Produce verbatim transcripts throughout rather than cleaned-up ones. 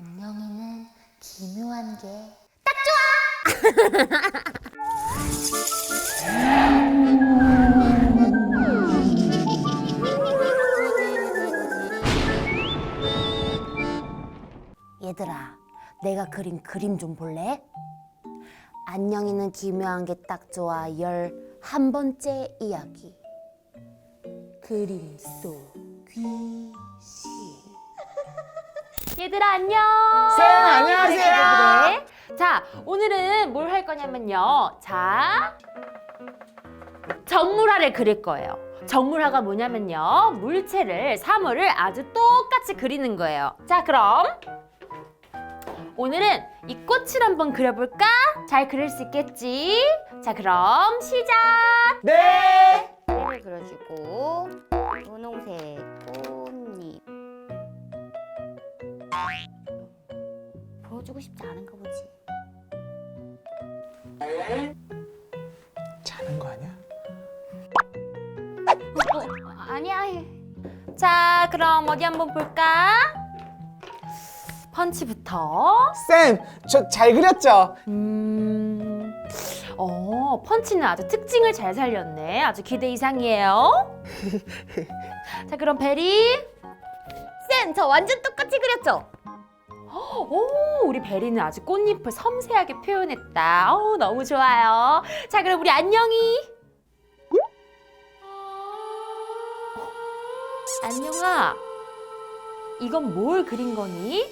안녕이는 기묘한 게 딱 좋아! 얘들아, 내가 그린 그림 좀 볼래? 안녕이는 기묘한 게 딱 좋아 열한 번째 이야기. 그림 속 귀신. 얘들아 안녕. 쌤, 안녕하세요. 그래, 그래. 자, 오늘은 뭘 할 거냐면요. 자, 정물화를 그릴 거예요. 정물화가 뭐냐면요. 물체를, 사물을 아주 똑같이 그리는 거예요. 자, 그럼 오늘은 이 꽃을 한번 그려볼까? 잘 그릴 수 있겠지? 자, 그럼 시작! 네. 를 그려주고 분홍색 꽃잎. 보여주고 싶지 않은가 보지. 자는 거 아니야? 어, 아니야. 자, 그럼 어디 한번 볼까? 펀치부터. 쌤, 저 잘 그렸죠? 음, 어, 펀치는 아주 특징을 잘 살렸네. 아주 기대 이상이에요. 자, 그럼 베리. 쌤, 저 완전 똑같이 그렸죠? 오, 우리 베리는 아주 꽃잎을 섬세하게 표현했다. 어, 너무 좋아요. 자, 그럼 우리 안녕이. 어, 안녕아, 이건 뭘 그린 거니?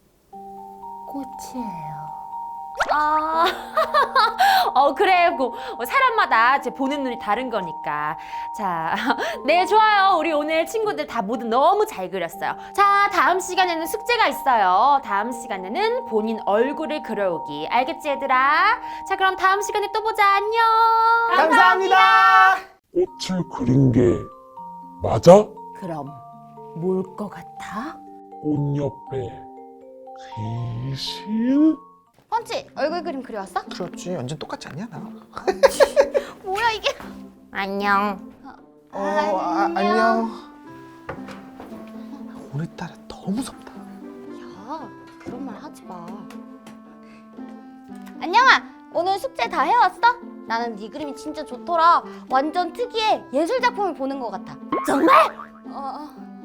꽃이에요. 아, 어, 그래. 고, 어, 사람마다 이제 보는 눈이 다른 거니까. 자, 네, 좋아요. 우리 오늘 친구들 다 모두 너무 잘 그렸어요. 자, 다음 시간에는 숙제가 있어요. 다음 시간에는 본인 얼굴을 그려오기. 알겠지, 얘들아? 자, 그럼 다음 시간에 또 보자. 안녕. 감사합니다. 꽃을 그린 게 맞아? 그럼 뭘 것 같아? 꽃 옆에 귀신? 펀치, 얼굴 그림 그려왔어? 그렇지, 완전 똑같지 않냐 나? 뭐야 이게? 안녕. 어, 아, 안녕. 오늘따라 더 무섭다. 야, 그런 말 하지 마. 안녕아, 오늘 숙제 다 해왔어? 나는 네 그림이 진짜 좋더라. 완전 특이해. 예술 작품을 보는 것 같아. 정말? 어,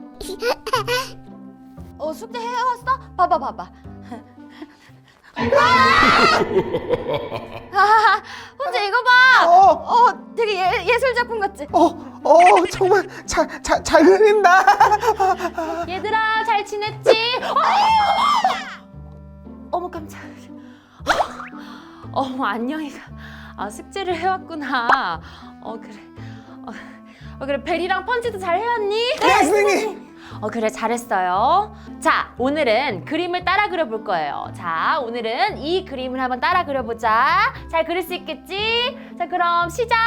어. 어, 숙제 해왔어? 봐봐, 봐봐. 아, 혼자 이거 봐. 어, 어, 되게 예, 예술 작품 같지? 어, 어, 정말 잘, 잘, 잘 그린다. 얘들아, 잘 지냈지? 어, 어머, 깜짝이야. 어머, 안녕이가 아, 숙제를 해왔구나. 어, 그래. 어, 어, 그래, 베리랑 펀치도 잘 해왔니? 네, 선생님. 어, 그래, 잘했어요. 자, 오늘은 그림을 따라 그려볼 거예요. 자, 오늘은 이 그림을 한번 따라 그려보자. 잘 그릴 수 있겠지? 자, 그럼 시작!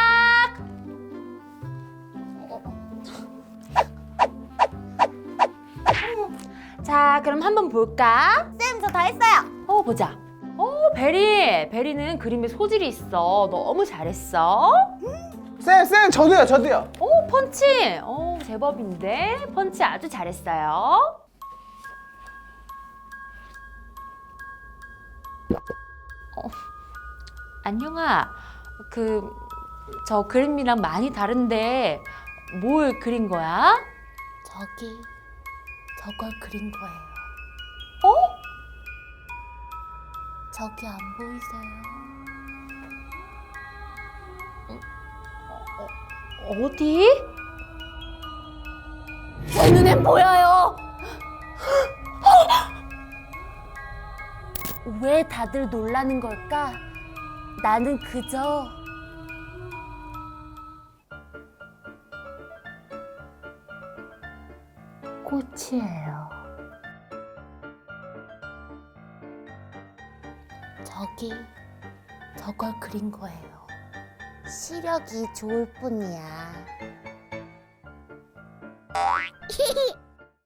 자, 그럼 한번 볼까? 쌤, 저 다 했어요. 어, 보자. 어, 베리. 베리는 그림에 소질이 있어. 너무 잘했어. 쌤, 쌤, 저도요, 저도요. 오, 펀치! 오, 제법인데? 펀치 아주 잘했어요. 어, 안녕아, 그, 저 그림이랑 많이 다른데 뭘 그린 거야? 저기, 저걸 그린 거예요. 어? 저기 안 보이세요? 어디? 제 눈엔 보여요. 왜 다들 놀라는 걸까? 나는 그저 꽃이에요. 저기 저걸 그린 거예요. 시력이 좋을 뿐이야.